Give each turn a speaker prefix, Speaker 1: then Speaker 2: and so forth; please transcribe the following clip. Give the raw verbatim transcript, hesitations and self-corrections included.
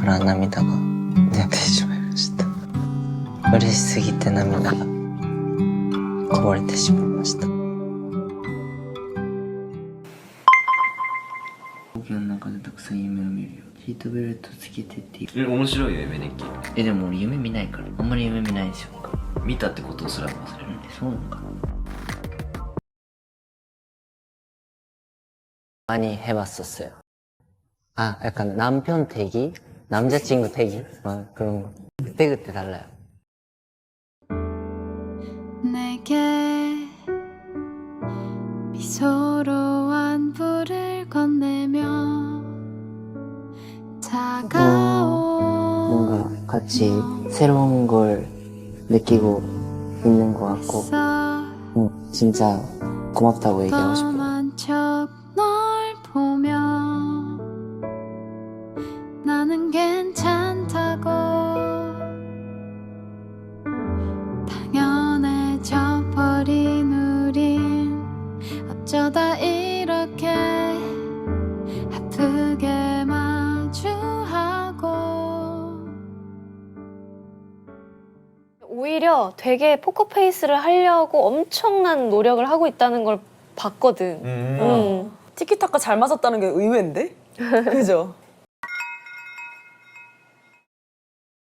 Speaker 1: から涙が出てしまいました。嬉しすぎて涙がこぼれてしまいました。飛行機の中でたくさん夢を見るよ。シートベルトつけてって
Speaker 2: え、面白いよ夢日記。
Speaker 1: え、でも俺夢見ないからあんまり夢見ないんですよ。
Speaker 2: 見たってことすら忘れる。
Speaker 1: そうなのかな。많이 해봤었어요. 아, 약간 남편 대기? 남자친구 대기? 아, 그런 거. 그때그때 달라요.
Speaker 3: 내게 미소로 안부를 건네며 다가온
Speaker 1: 뭔가 같이 새로운 걸 느끼고 있는 것 같고 응, 진짜 고맙다고 얘기하고 싶어요.
Speaker 3: 험한 척널 보며 나는 괜찮다고 당연해져 버린 우린 어쩌다 이렇게 아프게 마주하고.
Speaker 4: 오히려 되게 포커페이스를 하려고 엄청난 노력을 하고 있다는 걸 봤거든.
Speaker 5: 음.
Speaker 4: 음.
Speaker 6: 티키타카 잘 맞았다는 게 의외인데? 그죠?